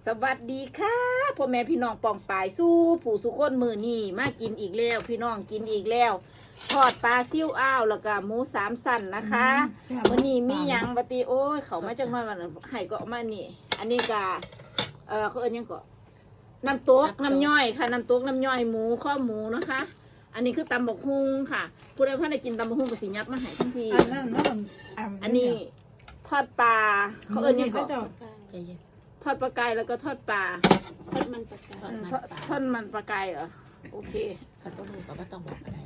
สวัสดีค่ะพ่อแม่พี่น้องปองปายสู้ผู้สุคนมือนี่มากินอีกแล้วพี่น้องกินอีกแล้วทอดปลาซิ่วอ้าวแล้วก็หมูสามสันนะคะวันนี้มีหยังปฏิโอ้ยเขามาจากมาวันให้ก็มานี่อันนี้ก็เขาเอิ้นยังก็น้ำต๊กน้ำย่อยค่ะน้ำต๊กน้ำย่อยหมูข้อหมูนะคะ อันนี้คือตำบักฮุงค่ะผู้ใดเพิ่นได้กินตำบักฮุงก็สิยับมาให้ทันทีอันนี้ทอดปลาเขาเอิ้นยังก็ทอดปลากายแล้วก็ทอดปลาทอดมันปลากายทอดมันปลากายเหรอโอเคเขาต้องรู้ก็ต้องบอกอะไร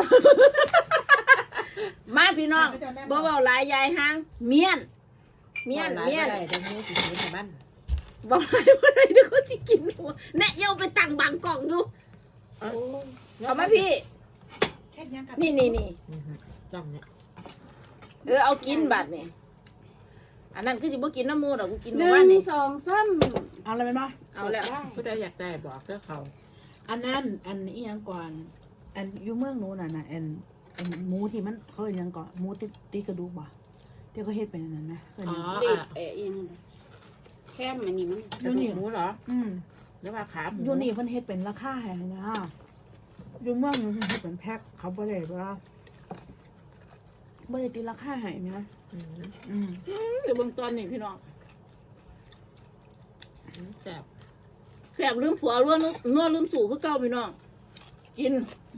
มาพี่น้องบ่เบาหลายยายหางเมียนเดี๋ยวนี้สิกินในบ้านบอกอะไรเดี๋ยวเขาสิกินหัวแน่เย้าไปตั้งบางกล่องดูเอามาพี่นี่จ้องเนี่ยเอากินบัดนี่อันนั้นคือสิบ่กินน้ำมูดหรอกกูกินหมู่บ้านนี่ 1 2 3เอาอะไรไปบ้างเอาแล้วผู้ใดอยากได้บอกเด้อเขาอันนั้นอันนี้ยังก่อนอันอยู่เมืองนู้นน่ะอันหมูที่มันเขาเรียกยังก่อนหมูติดกระดูกบ่ที่เขาเฮ็ดเป็นอันนั้นนะเด็กยังแค่มันนี่มันกระดูกหมูเหรอหรือว่าขาหมูอยู่นี่เพิ่นเฮ็ดเป็นราคาแพงนะอยู่เมืองนู้นเฮ็ดเป็นแพ็คเขาบ่ได้ว่าบ่ได้ตีราคาให้นะเดี๋ยวเบิ่งตอนนี้พี่น้องแสบลืมผัวล้วนนัวลืมสู่คือเก่าพี่น้องกิน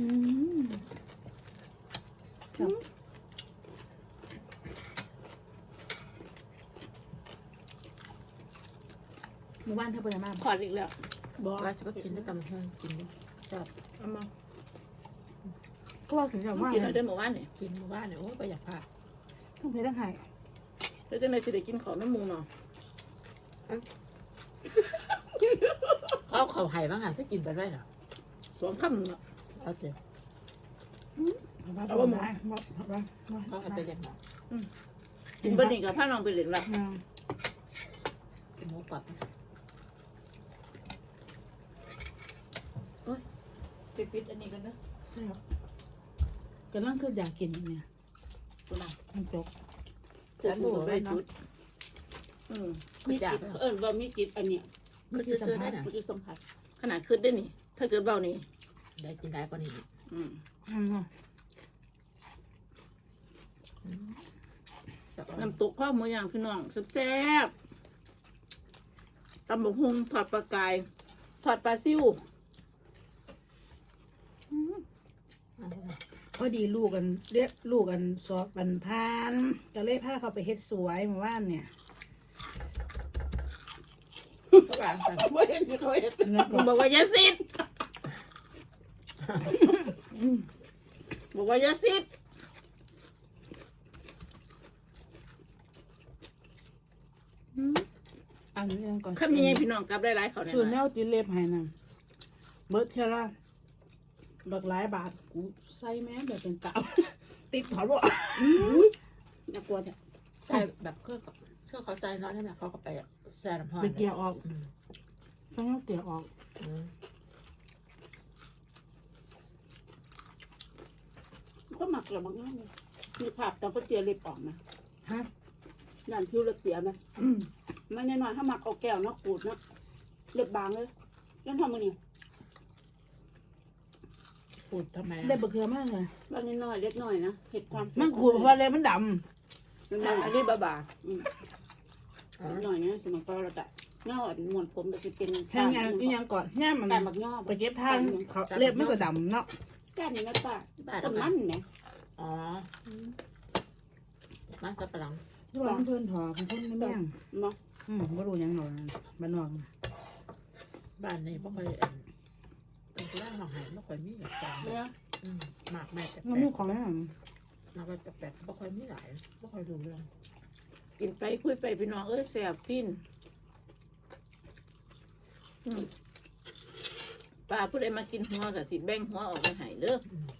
หมู่บ้านเธอเป็นยังไงขอดอีกแล้วบอกว่าก็กินได้ตำห้องกินได้จับเอามาก็ว่าถึงจะว่ากินได้หมู่บ้านเนี่ยกินหมู่บ้านเนี่ยโอ้ประหยัดผ้าต้องเพชรต้องไข่แล้วจะในสิได้กินของน้ำมูเนาะเขาไห่บ้างหันไปกินไปได้เหรอ 2 คำเนาะเอาเถอะเอาว่าหมูเขาให้ไปเลี้ยงหมูกินบะหมี่กับผ้าน้องไปเล่นละหมูกรอบปิดอันนี้กันนะใช่ครับกำลังคืออยากกินเนี่ยตัวไหนมันจบจะดูไปจุดมีจิตว่ามีจิตอันเนี้ยมันจะซื้อได้น่ะมันจะสัมผัสขนาดขึ้นได้นี่ถ้าเกิดเบานี่ได้กินได้กว่านี้น้ำตกข้าวหมูย่างพี่น้องแซ่บตำบักหุ่งทอดปลากายทอดปลาซิ่วพอดีลูกกันเรียกลูกกันสอบบันพานก็เลยพาเขาไปเฮ็ดสวยเมื่อวานเนี่ยบอกเห็นเขาเห็นบอกว่ายาซิดบอกว่ายาซิดอันนี้ก่อนคำยังไงพี่น้องกลับได้หลายเขาเนี่ยส่วนแนวติเล็บให้นะเบิร์ดเทล่าบักหลายบาทกูใส่แม่แบบเป็นเก่าติดหัวบ่น่ากลัวเนี่ยใส่แบบเครื่องเขาใจเนาะนี่แหละเขาก็ไปแซ่น้ำหอมไปเกี่ยวออกต้องเอาเกี่ยวออกก็หมักเกลือบางอย่างมีภาพตอนเขาเจียเล็บออกนะฮะนั่นผิวเล็บเสียไหมไม่แน่นอนถ้าหมักเอาแก้วนะขูดนะเล็บบางเลยยังทำมันนี่ขูดทำไมเล็บบะเขือมากเลยบางนิดหน่อยเล็กหน่อยนะเห็ดความมันขูดเพราะเล็บมันดำอันนี้บาหน่อยนะสมัยก่อนเราจะเงาหมวนผมจะเป็นแห้งยังก่อนแห้งมันแต่หมักย่อไปเก็บทางเล็บมันก็ดำเนาะก้านนี้นะป้าต้นมันไหมอ๋อมันสับปะหลังที่ว่าเพื่อนถอเพื่อนไม่แม่งเนาะไม่รู้ยังหน่อยบ้านนอกบ้านนี้ไม่ค่อยเป็นร้านหองหายไม่ค่อยมีแบบการหมากแม่แต่มันมีของแล้วเราก็จะแปดไม่ค่อยมีหลายไม่ค่อยดูเรื่องกินไปคุยไปพี่น้องแสบฟินป้าผู้ใดมากินหัวกับสิแบ่งหัวออกมาให้เด้อ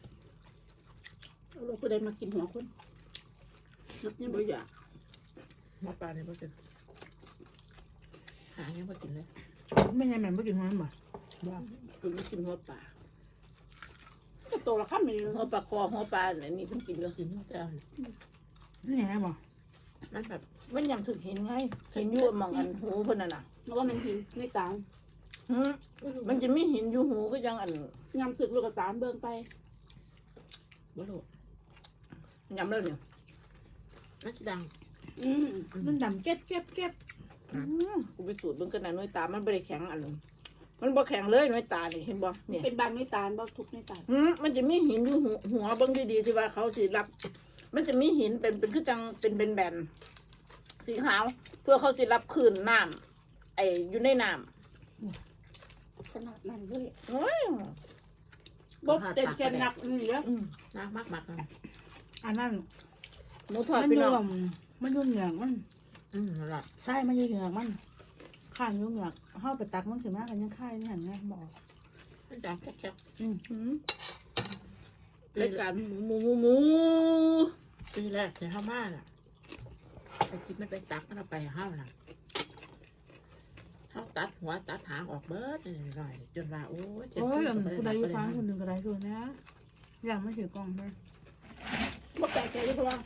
เราผู้ใดมากินหัวคนนับยังไม่อยากมาปลาเนี่ยไม่กินหายังไม่กินเลยไม่ใช่แม่ไม่กินหัวมันบ่ว่าคุณไม่กินหัวปลาก็โตละครับมีหัวปลาคอหัวปลาอะไรนี่เพิ่งกินเลยกินหัวปลานี่ไงบ่นั่นแบบมันยังถึงเห็นไงเห็นอยู่หมองอันหูเพิ่นน่ะน่ะแล้วก็มันหินในตาหืมมันจะมีหินอยู่หูก็ยังอันยำสึกลูกกระตามเบิ่งไปบ่รู้ยำแล้วเนี่ยน่าจะดังมันดำเก็บกูไปสูดเบิ่งกันนะน้อยตามันบ่ได้แข็งอันนั้นมันบ่แข็งเลยน้อยตานี่เห็นบ่เนี่ยเป็นบางในตาบ่ทุกในตามันจะมีหินอยู่หัวเบิ่งดีๆที่ว่าเขาสิรับ มันจะมีหินเป็นคือจังเป็นแบนๆสีขาวเพื่อเขาสิรับคลื่นน้ำไอ้อยู่ในน้ำขนาดนั้นเลยโอ้ยบ่เต็มแกนหนักนี่เด้อนักมากๆเลยอันนั้นหมูทอดมันพี่รน้อวงมมันอยู่เหงือกมันนั่นแหละไส้มันอยู่เหงือกมันข้างอยู่เหงือกเฮาไปตักมันขึ้นมากันยังไข่นี่หั่นไงบอกมันจะแค่รายการหมูปีแรกในข้าวมาน่ะไปกินมันไปตักมันเอาไปห้าวน่ะเขาตัดหัวตัดหางออกเบิดหน่อยจนว่าโอ้ยเจ็บโอ้ยปวดกูได้อยู่ฟ้าคนหนึ่งก็ได้คือนะอย่างไม่ถือกล่องเลยบ่แปลกใจเลยเพราะว่า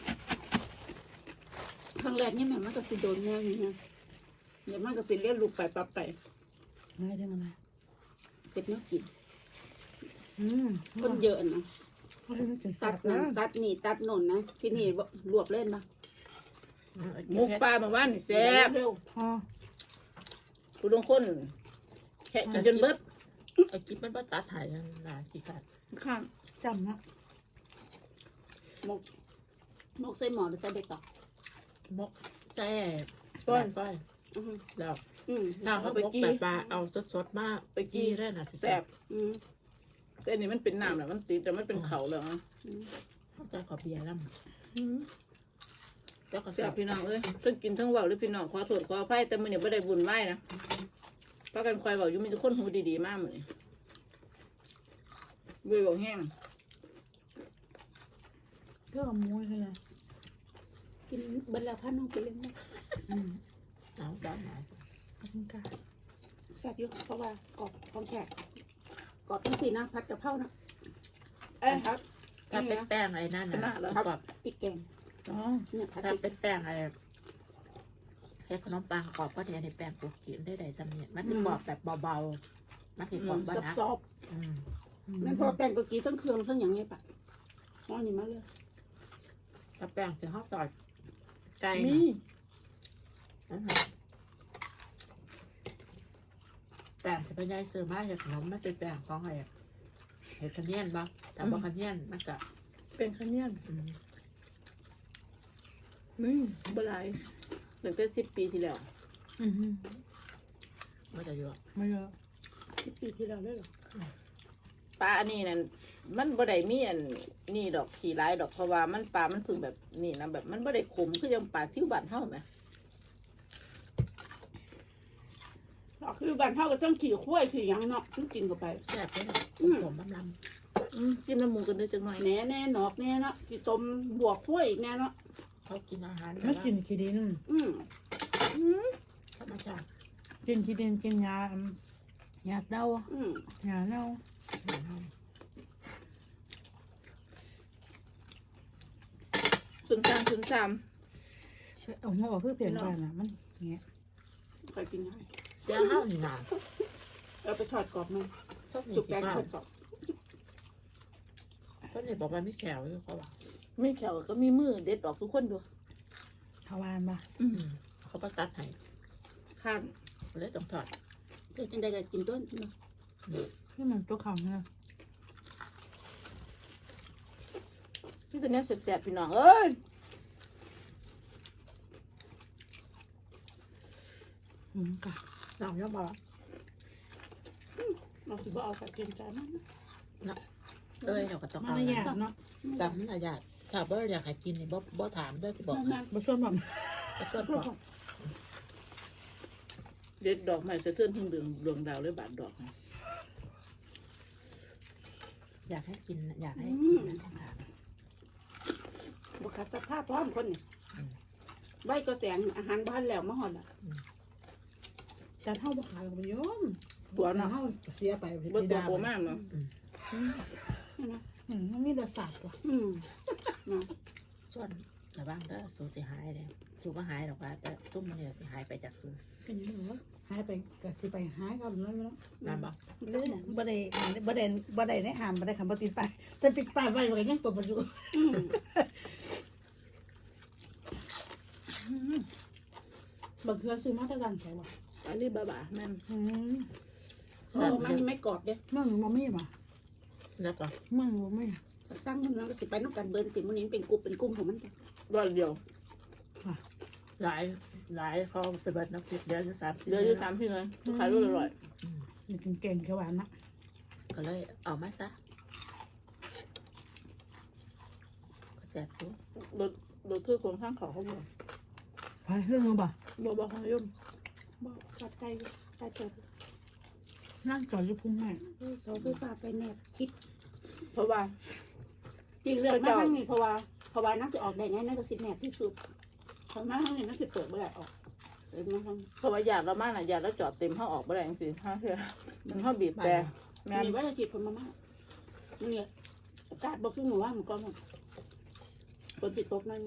ครั้งแรกนี่แม่มันก็สิโดนแน่นี่ฮะเดี๋ยวมันก็สิเรียนลูกไปปรับไปไม่ได้อะไรเป็นแนวกินคคนเยอะนะเขาเรียกถึงสัตัตดว์นั่นะนตัดนี่ตัดโน่นนะที่นี่บ่รวบเล่นมาหมูปลาเมื่อวานนี่แซ่บเร็วอ๋อผู้ลงคนแค่กินจนเบิดไอ้กิ๊บมันบ่ตัดหายนั่นน่ะที่ขาดข้างจำนะหมกใส่หม้อหรือใส่ใบตองมกแซ่ก้อยก้อยอือฮึแล้วอืมถ้าเขามกแบบปลาเอาสดๆมากไปกี้ได้น่ะสิแซ่บอืมแต่อันนี้มันเป็นน้ำแหละมันติดแต่มันเป็นเขาแล้วนะเข้าใจขอเบียร์แล้วแล้วก็แซ่แซ่บบ พี่น้องเอ้ยเพิ่งกินทั้งเว่าหรือพี่น้องขอโทษขออภัยแต่มื้อนี้บ่ได้บุญไหว้นะเพราะกันคอยเว้าอยู่มีแต่คนหูดีๆมากมื้อนี้เบื่อบ่แห้งเพื่อกับมูใช่ไหมกินเบิดแล้วพาน้องไปเลี้ยงนะหนาวหนาวหนาวขอบคุณค่ะแซ่บอยู่เพราะว่ากรอบของแขกกรอบทั้งสี่นะผัดกะเพรานะครับถ้าเป็นแป้งไอ้นั่นน่ะกรอบพริกแกงอ๋อเนี่ยผัดถ้าพริกเป็นแป้งไอ้แค่ขนมปังกรอบก็เนี่ยในแป้งปกกินได้สำเนียงมันจะกรอบแบบเบาๆมันคือกรอบบ้านะซอบๆนั่นพอแป้งก็กีทั้งเครื่องทั้งอย่างเงี้ยปะอ๋อนี่มาเลยถ้าแป้งถึงข้าวซอยไก่นี่แป้งจะเป็นยายซื้อมาจากขนมมันเป็นแป้งของอะไรเห็ดขะเนียนบ้างแต่บ่ขะเนียนมันก็เป็นข้าวเหนียวบ่หลายตั้งแต่10 ปีที่แล้วมันจะเยอะไม่เยอะ 10 ปีที่แล้วเลยเหรอปลาอันนี้นั่นมันบ่ได้มีอันนี่ดอกขี้ร้ายดอกเพราะว่ามันปลามันถึงแบบนี่นะแบบมันบ่ได้ขมคือยังปลาซิ่วบ้านเฮาแหมอ๋อคือบ้านเฮาก็ต้องขี่ข้วยขี่หยังเนาะต้องกินเข้าไปแซ่บเลยผมลำจิ้มน้ำหมูกันด้วยจังหน่อยแหน่แน่หนอกแน่เนาะกี่ต้มบวกข้วยอีกแน่เนาะเขากินอาหารไม่กินขี้ดินอืมธรรมชาติกินขี้ดินกินยาเน่าอืมยาเน่าศูนย์สามเอาหัวออกเพื่อเปลี่ยนกันอ่ะมันเงี้ยใครกินให้เสียงห้าวนี่นาเอาไปทอดกรอบมันชอบจุจุกกแป้แป้งงทอดกรอบก็เนี่ยบอกว่าไม่แข็งเลยเขาว่าไม่แขวก็มีมือเด็ดออกทุกคนดูทวารปะเขาก็ตัดให้ข้ามเลยต้องทอดเดี๋ยวจังใดก็กินต้นใช่ไหมที่มันตัวเขาเนี่ยที่ตัวเนี้ยแสบๆพี่น้องเอ้ยกะน้องย่อบอกเราสิบ่เอากับเกมจานนั้นเอ้ยเราก็ต้องมันเอาไม่ยากเนาะจำมันอยากถ้าบ่อยากให้กินนี่บ่ถามเด้อที่บอกมาช่วยแบบแต่ก็บอกเด็ดดอกไม้สะเทือนถึงดวงดาวเลยบาดดอกอยากให้กินอยากให้กินนะถามบุคสภาพพร้อมคนนี่ใบก็แสงอาหารบ้านแล้วมาหอดอ่ะแต่เท่าบุขายของโยมตัวเนาะเท่าเสียไปเบิดตัวโกมากเนาะมันมีรสชาติว่ะอืมส่วนระวังเด้อสูติหายเลยสูบมาหายหรอกว่าแต่ตุ้มมันเนี่ยหายไปจากสูบเป็นยังไงวะหายไปก็สิไปหายเขาหรือไม่รู้นานบ่เลยบ่ได้ในห้ามบ่ได้คำบ่ติดไปายแต่ติดป้ายไว้ก็ยังเปิดบ่อยู่บักเขือซื้อมาจากร้านแถวบ่อันนี้บ้าๆแม่น มันไม่กรอบเด้เมืองบ่มีบ่แล้วก็เมืองบ่มีสร้างมันก็สิไปนอกกันเบิร์นสิมันนี้เป็นกลุ่มของมันร้อยเดียวหลายเขาไปเบิดน้ำพริกเดือนที่30 เดือนที่3พี่เลยขายรู้อร่อยนี่กินเก่งแค่หวานนะก็เลยเอามาซะก็แซ่บอยู่โดยคือคนข้างเขาเขาบอกไปเรื่องบ่บอกเขายุ่มบอกกัดไก่ไก่เติบนั่งจอดอยู่พุ่งแม่โซ่คือปลาไปแนบชิดเพราะว่าจริงเลือกมาทั้งนี้เพราะว่านักจะออกได้ไงนักก็สิแนบที่สุดเพราะมาทั้งนี้นักจะเปิดไม่ได้ออกเลยมาทั้งเพราะว่าหยาดเรามากน่ะหยาดแล้วจอดเต็มห้าออกไม่ได้จังซี่ห้าเทื่อมันห้าบีบแต่แม่นมีว่าจะจิตคนมามากเนี่ยอากาศบอกขึ้นหนูว่ามันก็หมดฝนติดตกนั่น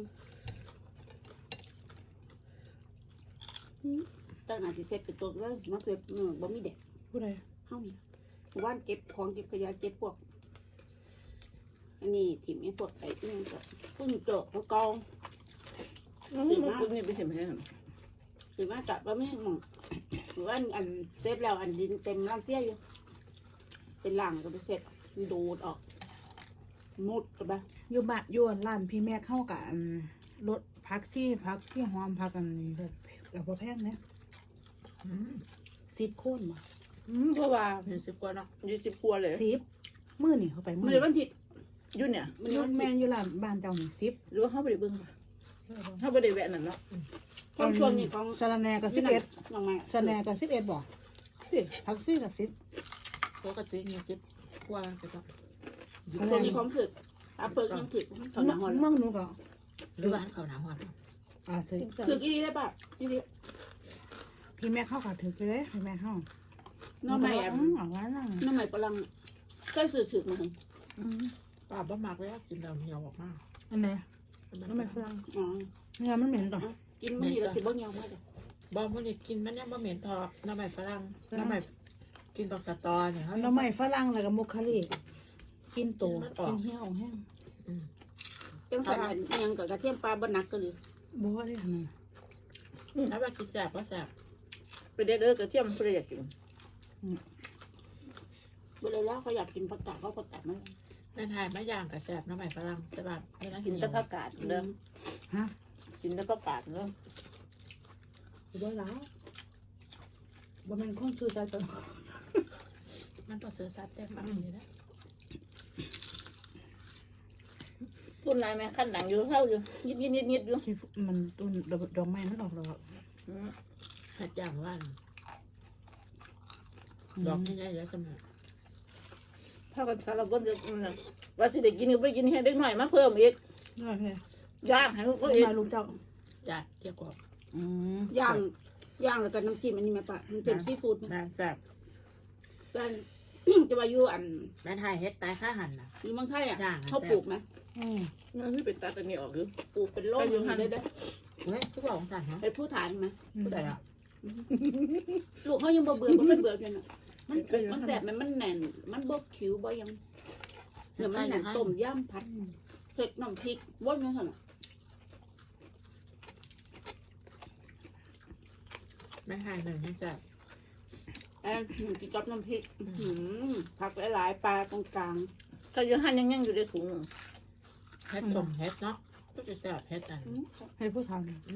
ตั้งหน้าสิเซ็ตติดตกเลยมาเกิดบ่มีเด็กผู้ใดเฮาเนี่ยว่านเก็บของเก็บขยะเก็บพวก อันนี้ถิ่มไอ้พวกไอ้นี่ก็พุ่นเจาะเขากองนี่มันคุณนี่ไปเห็นไหมเนี่ยหรือว่าจับว่าไม่หมองหรือว่าอันเซฟแล้วอันดินเต็มร่างเตี้ยอยู่เป็นหลังก็ไปเสร็จดูดออกมุดกันไปอยู่บ้านอยู่ร้านพี่แม่เข้ากับรถพักซี่พักที่หอมพักกันนี่แบบกับบ่แพงเนี่ยอืม 10 คนบ่เพราะว่า 20กว่าเนาะ 20กว่าเลย 10มื้อนี่เขาไปมัมื้นอเลยวันทิศยุ่นเนี่ยมันอเลยยู่วันแม่ทิศนอยู่ร้านบ้านเจ้านี่10 หรือว่าเขาไปได้เบิ่งค่ะเขาไปได้แวะนั่นเนาะของช่วงนี้ของสะระแหน่ก็ 11 น้องไม้สะแหน่ก็11บ่พักซี่ก็10 ปกติ20กว่าไปก็ช่วงนี้ของถึกอาเปิดยังถึกเขาหนาหอนเมืองหนูก็หรือว่าอันเขาหนาหอนซื้อถึกอีดีได้ป่ะอีดีพี่แม่เข้าก็ถือไปเลยพี่แม่เข้าน้องไม้แอมเอาไว้นั่นน้องไม้กำลังก็สื่อถึกมาถึงป้าบ่มักเลยกินแล้วเหนียวออกมาอันไหนทำไมฝรั่งอ๋อเนื้อมันเหม็นต่อกินมันดีแล้วสิบ่เงียวมากเลยบ่มื้อนี้กินมันยังบ่เหม็นพอน้ำใหม่ฝรั่งน้ำใหม่กินดอกสะตอเนี่ยเขาเราไม่ฝรั่งแล้วก็มุคคารีกินโตกินเหี้ยวแห้งจังสันยังกับกระเทียมปลาบนักก็เลยบัวได้ขนาดน้ำแบบกินแสบก็แสบไปเด้อกระเทียมเพื่ออยากกินเวลาแล้วเขาอยากกินผักกาดเขาผักกาดมันแม่ทายมะย่างกับแสบน้ำใหม่ฝรั่งแต่แบบไม่น่ากิกินนแต่ผักกาดเด้อฮะกินแต่ผักกาดเด้อบัวแล้วบัวเป็นคนซื้อใจตัวมันต้องเสือซัดได้มากเลยนะพุ่นลายแม่ขั้นหนังอยู่เท่าอยู่ยิดอยู่ชีมันต้นดอกไม้มันออกแล้วหัดอย่างว่านดอกง่ายๆแล้วสมัยถ้ากันสารพัดจะว่าสิได้กินก็ไปกินให้เด็กหน่อยมาเพิ่มอีกได้เลยย่างให้เขาก็อีกมาลูกเจ้าจัดเกี่ยวกับย่างแล้วก็น้ำจิ้มอันนี้แม่ปะน้ำจิ้มซีฟู้ดนานแสบก็จะมาอยู่อันแม่ทายเฮ็ดตายข้าหันนะอยู่เมืองไทยอ่ะย่างเขาปลูกไหมนั่นที่เป็นตัดอันนี้ออกหรือปลูกเป็นโล่อยู่หันได้เฮ้ยทุกของสั่นเนาะเป็นผู้ฐานไหมผู้ใดอ่ะลูกเขายังบ่เบื่อบ่เป็นเบื่อกันอ่ะมันแสบมันแน่นมันบกคิ้วบ่ยังเดี๋ยวมันแน่นต้มย่ำผัดเผ็ดน้ำพริกวนยังไงแม่ทายหนึ่งให้แสบกินกับน้ำพริกผักหลายๆปลาตรงกลางก็ยังหันยังอยู่ในถุงเฮ็ดต้มเฮ็ดเนาะก็จะแสบเฮ็ดอันให้ผู้ท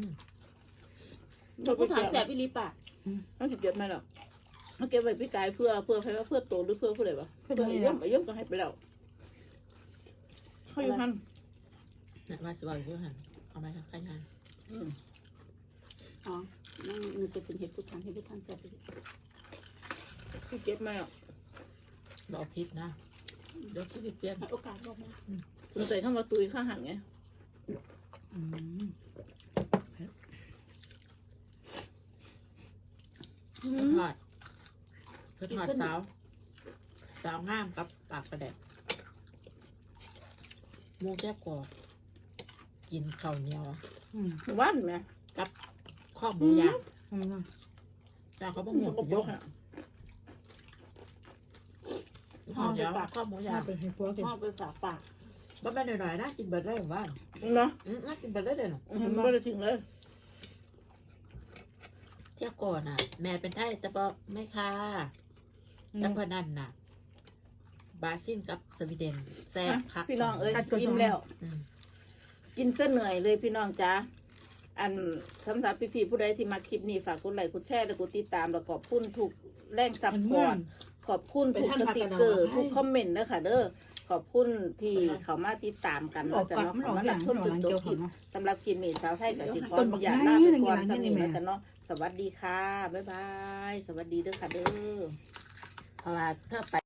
ผู้ฐานแสบอีหลีปะเขาสิเก็บมาแล้วเขาเก็บไว้พี่กายเพื่อใครว่าเพื่อโตหรือเพื่อผู้ใดวะำเพื่อเยี่ยมก็ให้ไปแล้วเขาอยู่หันเนี่ยว่าสิว่าอยู่หันเอาไปทำใครงานอ๋อนั่นมันจะเป็นเห็ดผู้ฐานแสบอีหลีเขาเก็บมาแล้วบอกพิษนะเดี๋ยวคิดเปลี่ยนให้โอกาสบอกมาคุณใส่เข้ามาตุยข้างหันไงเพื่อทอดสาวงามกับปากกระแดกหมูแก้วกรอบกินข้าวเหนียวว่านไหมกับข้อหมูย่างอืมแต่เขาบอกหมูยกข้อเดียวข้อหมูย่างเป็นให้พวกกินพ่อไปฝากปากบ้านหน่อยๆนะกินเบิร์ดได้หรือว่าเนาะน่ากินเบิร์ดได้เลยหรอไม่ได้ทิ้งเลยเที่ยวก่อนน่ะ แม่เป็นไทยแต่บอกไม่ค่ะแต่พอนั่นน่ะ บราซิลกับสวีเดนแซ่บคักพี่น้องเอ้ยอิ่มแล้วอืมกินเส้นเหนื่อยเลยพี่น้องจ้าอันสำหรับพี่ๆผู้ใดที่มาคลิปนี้ฝากกดไลค์กดแชร์และกดติดตามแล้วขอบคุณทุกแรงซัพพอร์ตขอบคุณทุกสติกเกอร์ทุกคอมเมนต์นะคะเด้อขอบคุณที่เขามาติดตามกันออเรากจะก่อนเนาะมันอเขาอกมาหรัลับงชมมันอจอกนหลังจบเกี่ยวคลิปเนาะสำหรับคลิปนี้สาวไทยกับสิขออนุญาตลาไปก่อนสำหรับนี้แล้วกันเนาะสวัสดีค่ะบ๊ายบายสวัสดีเด้อค่ะเด้อเพราะว่าถ้าไป